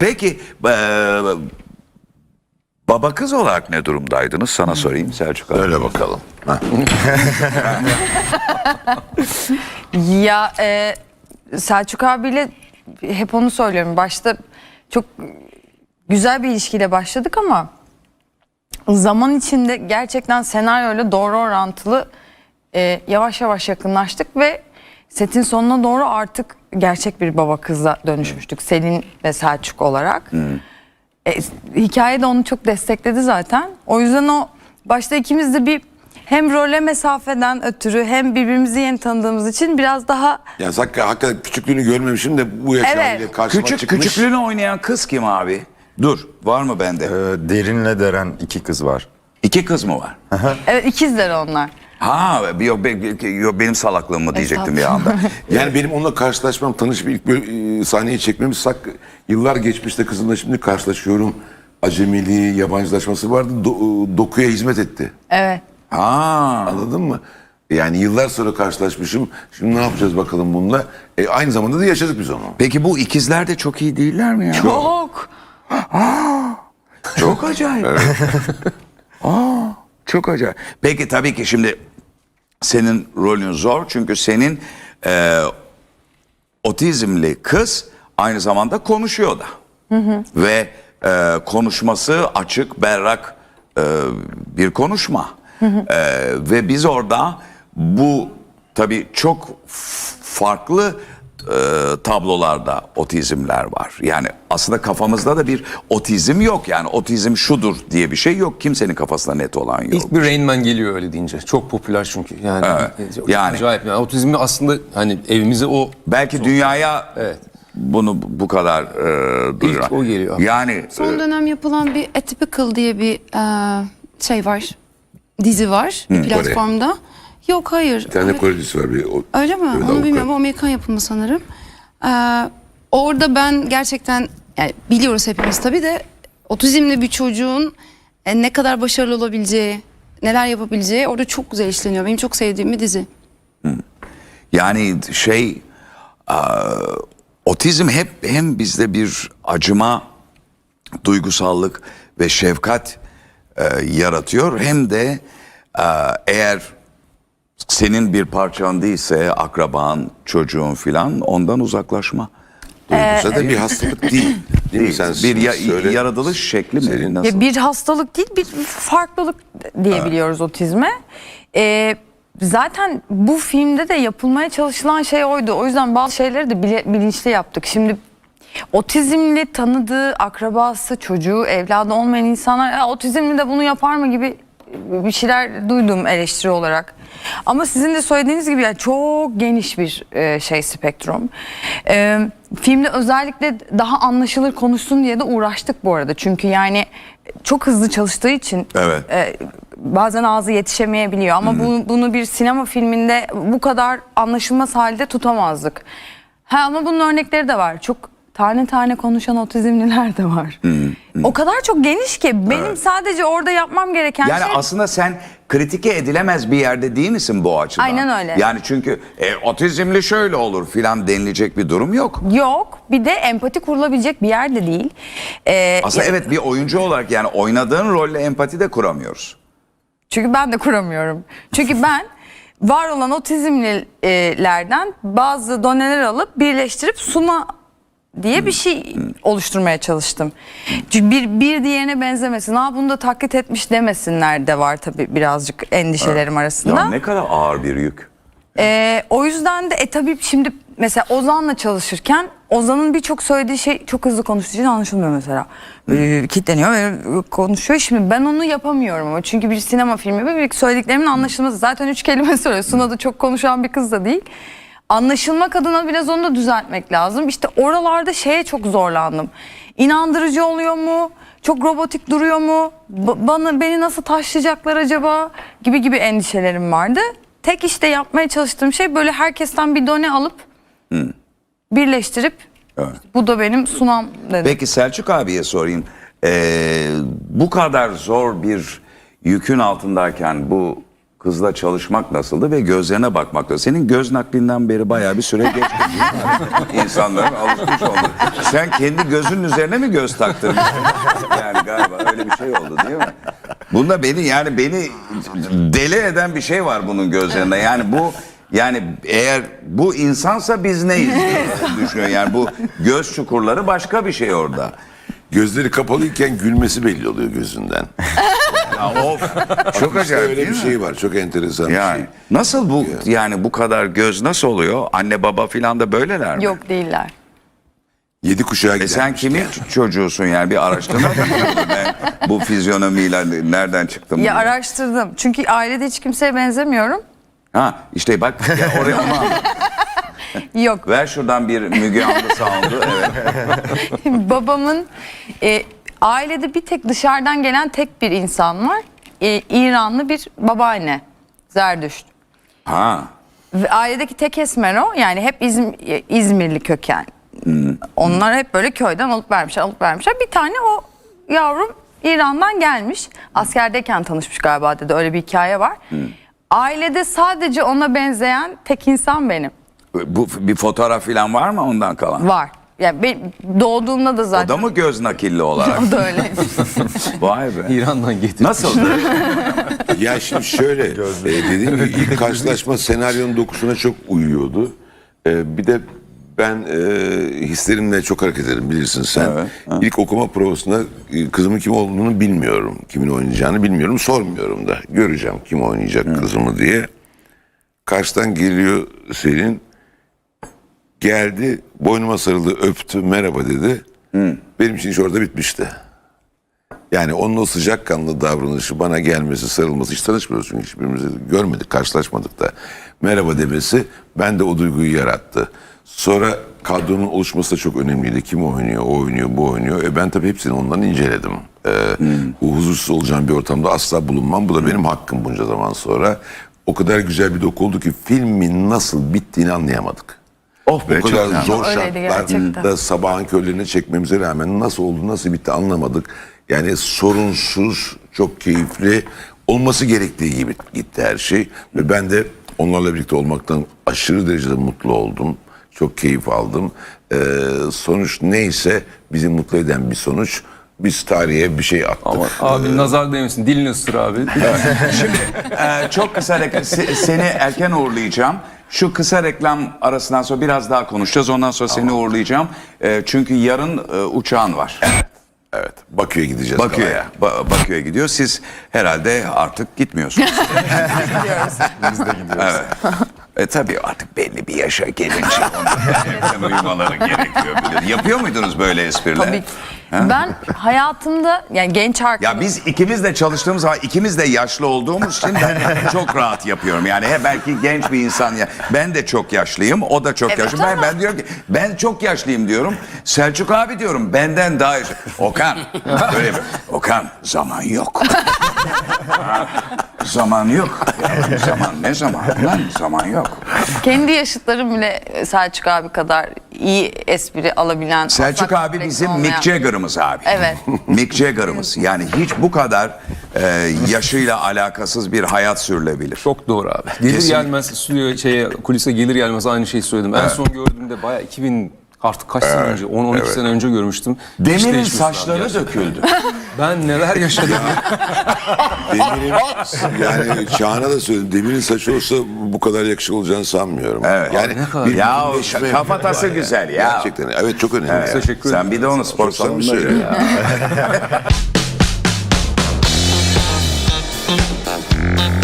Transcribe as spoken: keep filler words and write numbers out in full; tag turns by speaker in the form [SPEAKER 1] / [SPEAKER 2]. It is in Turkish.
[SPEAKER 1] Peki e, baba kız olarak ne durumdaydınız? Sana sorayım Selçuk abi.
[SPEAKER 2] Öyle bakalım.
[SPEAKER 3] Ya e, Selçuk abiyle hep onu söylüyorum. Başta çok güzel bir ilişkiyle başladık ama zaman içinde gerçekten senaryoyla doğru orantılı e, yavaş yavaş yakınlaştık ve setin sonuna doğru artık gerçek bir baba kıza dönüşmüştük. Selin ve Selçuk olarak. E, hikaye de onu çok destekledi zaten. O yüzden o başta ikimiz de bir hem role mesafeden ötürü hem birbirimizi yeni tanıdığımız için biraz daha...
[SPEAKER 2] Ya hakikaten, hakikaten küçüklüğünü görmemişim de bu yaşta
[SPEAKER 3] Evet.
[SPEAKER 2] bile karşıma
[SPEAKER 1] Küçük,
[SPEAKER 2] çıkmış.
[SPEAKER 1] küçüklüğünü oynayan kız kim abi? Dur, var mı bende?
[SPEAKER 4] Ee, Derin'le Deren iki kız var.
[SPEAKER 1] İki kız mı var?
[SPEAKER 3] Evet, ikizler onlar.
[SPEAKER 1] Ha, yok, be- yok benim salaklığım mı diyecektim bir anda.
[SPEAKER 2] Yani benim onunla karşılaşmam, tanışıp ilk böyle, e, sahneyi çekmemiz sak, yıllar geçmişte kızımla şimdi karşılaşıyorum. Acemiliği, yabancılaşması vardı. Do- dokuya hizmet etti.
[SPEAKER 3] Evet.
[SPEAKER 1] Ha.
[SPEAKER 2] Anladın mı? Yani yıllar sonra karşılaşmışım. Şimdi ne yapacağız bakalım bununla? E, aynı zamanda da yaşadık biz onu.
[SPEAKER 1] Peki bu ikizler de çok iyi değiller mi ya?
[SPEAKER 3] Çok.
[SPEAKER 1] Çok acayip. Aa, çok acayip. Peki tabii ki şimdi senin rolün zor çünkü senin e, otizmli kız aynı zamanda konuşuyor da. Hı hı. Ve e, konuşması açık, berrak e, bir konuşma. Hı hı. E, ve biz orada bu tabii çok f- farklı e, tablolarda otizmler var. Yani aslında kafamızda da bir otizm yok. Yani otizm şudur diye bir şey yok. Kimsenin kafasında net olan yok.
[SPEAKER 5] İlk bir Rain Man geliyor öyle deyince. Çok popüler çünkü. Yani,
[SPEAKER 1] Evet.
[SPEAKER 5] çok
[SPEAKER 1] Yani-
[SPEAKER 5] acayip. Yani otizmli aslında hani evimize o
[SPEAKER 1] Belki dünyaya
[SPEAKER 5] Evet.
[SPEAKER 1] bunu bu kadar e, duyuran.
[SPEAKER 5] İlk o geliyor.
[SPEAKER 1] Yani
[SPEAKER 6] Son dönem yapılan bir Atypical diye bir e, şey var. Dizi var bir platformda. Yok hayır.
[SPEAKER 2] Bir tane
[SPEAKER 6] Evet.
[SPEAKER 2] Kore dizisi var. Bir, o,
[SPEAKER 6] Öyle mi?
[SPEAKER 2] Evet,
[SPEAKER 6] Onu
[SPEAKER 2] avukat.
[SPEAKER 6] bilmiyorum. O Amerikan yapımı sanırım. Ee, orada ben gerçekten yani biliyoruz hepimiz tabii de otizmli bir çocuğun e, ne kadar başarılı olabileceği, neler yapabileceği orada çok güzel işleniyor. Benim çok sevdiğim bir dizi.
[SPEAKER 1] yani şey e, otizm hep hem bizde bir acıma, duygusallık ve şefkat e, yaratıyor hem de e, eğer senin bir parçan değilse akraban, çocuğun filan ondan uzaklaşma.
[SPEAKER 2] duygusa da bir hastalık değil. Değil, mi?
[SPEAKER 1] Değil.
[SPEAKER 2] Sen
[SPEAKER 1] Bir ya-
[SPEAKER 2] söyle.
[SPEAKER 1] yaratılış şekli mi?
[SPEAKER 2] Senin-
[SPEAKER 1] Nasıl?
[SPEAKER 3] Ya bir hastalık değil, bir farklılık diyebiliyoruz otizme. Ee, zaten bu filmde de yapılmaya çalışılan şey oydu. O yüzden bazı şeyleri de bile- bilinçli yaptık. Şimdi otizmli tanıdığı akrabası, çocuğu, evladı olmayan insanlar ya, otizmli de bunu yapar mı gibi bir şeyler duydum eleştiri olarak. Ama sizin de söylediğiniz gibi yani çok geniş bir e, şey spektrum. E, filmde özellikle daha anlaşılır konuşsun diye de uğraştık bu arada. Çünkü yani çok hızlı çalıştığı için
[SPEAKER 1] Evet.
[SPEAKER 3] e, bazen ağzı yetişemeyebiliyor. Ama bu, bunu bir sinema filminde bu kadar anlaşılmaz halde tutamazdık. Ha, ama bunun örnekleri de var. Çok tane tane konuşan otizmliler de var. O kadar çok geniş ki benim sadece orada yapmam gereken
[SPEAKER 1] Yani
[SPEAKER 3] şey...
[SPEAKER 1] aslında sen kritike edilemez bir yerde değil misin bu açıdan?
[SPEAKER 3] Aynen öyle.
[SPEAKER 1] Yani çünkü e, otizmli şöyle olur filan denilecek bir durum yok.
[SPEAKER 3] Yok. Bir de empati kurulabilecek bir yer de değil. Ee,
[SPEAKER 1] Aslında
[SPEAKER 3] ya-
[SPEAKER 1] evet bir oyuncu olarak yani oynadığın rolle empati de kuramıyoruz.
[SPEAKER 3] Çünkü ben de kuramıyorum. Çünkü ben var olan otizmlilerden bazı doneler alıp birleştirip suna diye bir şey oluşturmaya çalıştım. Çünkü bir, bir diğerine benzemesin. Ha bunu da taklit etmiş demesinler de var tabii birazcık endişelerim arasında.
[SPEAKER 1] Ya ne kadar ağır bir yük.
[SPEAKER 3] Ee, o yüzden de e tabii şimdi mesela Ozan'la çalışırken Ozan'ın birçok söylediği şey çok hızlı konuştuğu için anlaşılmıyor mesela. Böyle kitleniyor ve konuşuyor. Şimdi ben onu yapamıyorum ama çünkü bir sinema filmi ve bir söylediklerimin anlaşılması. Zaten üç kelime söylüyor. Suna da çok konuşan bir kız da değil. Anlaşılmak adına biraz onu da düzeltmek lazım. İşte oralarda şeye çok zorlandım. İnandırıcı oluyor mu? Çok robotik duruyor mu? Ba- bana beni nasıl taşlayacaklar acaba? Gibi gibi endişelerim vardı. Tek işte yapmaya çalıştığım şey böyle herkesten bir done alıp birleştirip
[SPEAKER 1] Evet.
[SPEAKER 3] bu da benim sunam dedim.
[SPEAKER 1] Peki Selçuk abiye sorayım. Ee, bu kadar zor bir yükün altındayken bu kızla çalışmak nasıldı ve gözlerine bakmak da. Senin göz naklinden beri bayağı bir süre geçti. İnsanların alışmış oldu. Sen kendi gözünün üzerine mi göz taktın? Yani galiba öyle bir şey oldu değil mi? Bunda beni yani beni deli eden bir şey var bunun gözlerinde. Yani bu yani eğer bu insansa biz neyiz diye düşünüyor. Yani bu göz çukurları başka bir şey orada.
[SPEAKER 2] Gözleri kapalıyken gülmesi belli oluyor gözünden.
[SPEAKER 1] Ya of çok
[SPEAKER 2] İşte
[SPEAKER 1] acayip
[SPEAKER 2] öyle
[SPEAKER 1] değil
[SPEAKER 2] bir
[SPEAKER 1] mi?
[SPEAKER 2] şey var. Çok enteresan bir
[SPEAKER 1] Yani
[SPEAKER 2] şey.
[SPEAKER 1] nasıl bu yani bu kadar göz nasıl oluyor? Anne baba filan da böyleler mi?
[SPEAKER 3] Yok değiller.
[SPEAKER 2] Yedi kuşağa
[SPEAKER 1] E
[SPEAKER 2] gider.
[SPEAKER 1] sen kimin ç- çocuğusun yani bir araştırma mı yapıyorsun? Ben bu fizyonomiyle nereden çıktım?
[SPEAKER 3] Ya
[SPEAKER 1] diye.
[SPEAKER 3] araştırdım. Çünkü ailede hiç kimseye benzemiyorum.
[SPEAKER 1] Ha işte bak ya oraya onu anlat.
[SPEAKER 3] Yok.
[SPEAKER 1] Ver şuradan bir Müge Anlı sound'u. Evet.
[SPEAKER 3] Babamın e, ailede bir tek dışarıdan gelen tek bir insan var. E, İranlı bir babaanne. Zerdüşt.
[SPEAKER 1] Ha.
[SPEAKER 3] Ve ailedeki tek esmer o. Yani hep İzm- e, İzmirli köken. Onlar hep böyle köyden alıp vermişler, alıp vermişler. Bir tane o yavrum İran'dan gelmiş. Askerdeyken tanışmış galiba dedi. Öyle bir hikaye var. Ailede sadece ona benzeyen tek insan benim.
[SPEAKER 1] Bu bir fotoğraf filan var mı ondan kalan?
[SPEAKER 3] Var. Yani ben doğduğumda da
[SPEAKER 1] O
[SPEAKER 3] zaten.
[SPEAKER 1] da mı göz nakilli olarak?
[SPEAKER 3] O da öyle.
[SPEAKER 1] Vay be.
[SPEAKER 5] İran'dan getirmiş.
[SPEAKER 1] Nasıldı?
[SPEAKER 2] Ya şimdi şöyle, e, dediğim gibi ilk karşılaşma senaryonun dokusuna çok uyuyordu. E, bir de ben e, hislerimle çok hareket ederim bilirsin sen.
[SPEAKER 1] Evet,
[SPEAKER 2] İlk okuma provasında e, kızımın kim olduğunu bilmiyorum. Kimin oynayacağını bilmiyorum. Sormuyorum da. Göreceğim kim oynayacak kızımı diye. Karşıdan geliyor Selin. Geldi, boynuma sarıldı, öptü, merhaba dedi. Benim için iş orada bitmişti. Yani onun o sıcakkanlı davranışı, bana gelmesi, sarılması, hiç tanışmıyoruz çünkü hiçbirimizi görmedik, karşılaşmadık da. Merhaba demesi bende o duyguyu yarattı. Sonra kadronun oluşması da çok önemliydi. Kim oynuyor, o oynuyor, bu oynuyor. E ben tabii hepsini ondan inceledim. Ee, bu huzursuz olacağım bir ortamda asla bulunmam. Bu da benim hakkım bunca zaman sonra. O kadar güzel bir doku oldu ki filmin nasıl bittiğini anlayamadık.
[SPEAKER 1] Oh be,
[SPEAKER 2] O
[SPEAKER 1] çok
[SPEAKER 2] kadar
[SPEAKER 1] güzel.
[SPEAKER 2] zor
[SPEAKER 3] Öyleydi gerçekten.
[SPEAKER 2] şartlarda sabahın körlerine çekmemize rağmen nasıl oldu, nasıl bitti anlamadık. Yani sorunsuz, çok keyifli, olması gerektiği gibi gitti her şey. Ve ben de onlarla birlikte olmaktan aşırı derecede mutlu oldum. Çok keyif aldım. Ee, sonuç neyse bizi mutlu eden bir sonuç. Biz tarihe bir şey attık.
[SPEAKER 5] Ama abi nazar değmesin. Dilini ısır abi.
[SPEAKER 1] Şimdi e, çok kısa reklam, se- seni erken uğurlayacağım. Şu kısa reklam arasından sonra biraz daha konuşacağız. Ondan sonra seni uğurlayacağım. E, çünkü yarın e, uçağın var.
[SPEAKER 2] Evet, Bakü'ye gideceğiz.
[SPEAKER 1] Bakü'ye. Ba- Bakü'ye gidiyor. Siz herhalde artık gitmiyorsunuz.
[SPEAKER 4] Biz de gidiyoruz.
[SPEAKER 1] Evet. E tabii artık belli bir yaşa gelince onların erken uyumaları gerekiyor. Bilir. Yapıyor muydunuz böyle espriler?
[SPEAKER 3] Tabii ki. Ben hayatımda yani genç arkadaşım.
[SPEAKER 1] Ya biz ikimiz de çalıştığımız zaman ikimiz de yaşlı olduğumuz için ben çok rahat yapıyorum. Yani he, belki genç bir insan ya. Ben de çok yaşlıyım. O da çok
[SPEAKER 3] Evet,
[SPEAKER 1] yaşlı. Ben,
[SPEAKER 3] ama-
[SPEAKER 1] ben diyorum ki ben çok yaşlıyım diyorum. Selçuk abi diyorum benden daha yaşlı. Okan. Böyle yapıyor. Okan zaman yok. Ha, zaman yok. Ya, zaman ne zaman? Lan zaman yok.
[SPEAKER 3] Kendi yaşıtlarım bile Selçuk abi kadar iyi espri alabilen.
[SPEAKER 1] Selçuk
[SPEAKER 3] asla
[SPEAKER 1] abi
[SPEAKER 3] kompleksi
[SPEAKER 1] bizim
[SPEAKER 3] olmayan-
[SPEAKER 1] Mick Jagger'ımız abi.
[SPEAKER 3] Evet.
[SPEAKER 1] Mick Jagger'ımız. Yani hiç bu kadar e, yaşıyla alakasız bir hayat sürülebilir.
[SPEAKER 5] Çok doğru abi. Gelir
[SPEAKER 1] Kesinlikle.
[SPEAKER 5] gelmez stüdyoya şeye kulise gelir gelmez aynı şeyi söyledim. En son gördüğümde bayağı iki bin artık kaç sene önce on on iki sene önce görmüştüm. Hiç
[SPEAKER 1] Demir'in
[SPEAKER 5] değişmesin abi
[SPEAKER 1] saçları
[SPEAKER 5] gerçekten.
[SPEAKER 1] döküldü.
[SPEAKER 5] Ben neler yaşadım.
[SPEAKER 2] Demir'in, yani Çağan'a da söyledim. Demir'in saçı olsa bu kadar yakışıklı olacağını sanmıyorum.
[SPEAKER 1] Evet.
[SPEAKER 2] Yani
[SPEAKER 5] Ne kadar-
[SPEAKER 2] bir
[SPEAKER 1] Ya
[SPEAKER 2] bütünleşme
[SPEAKER 1] kafatası
[SPEAKER 2] var yani.
[SPEAKER 1] güzel ya.
[SPEAKER 2] Gerçekten. Evet çok önemli.
[SPEAKER 1] Evet.
[SPEAKER 5] Teşekkür
[SPEAKER 1] Sen
[SPEAKER 5] ederim.
[SPEAKER 1] bir de onu spor
[SPEAKER 2] Çok samimi
[SPEAKER 1] salonunda
[SPEAKER 2] söylüyorum.
[SPEAKER 1] gör.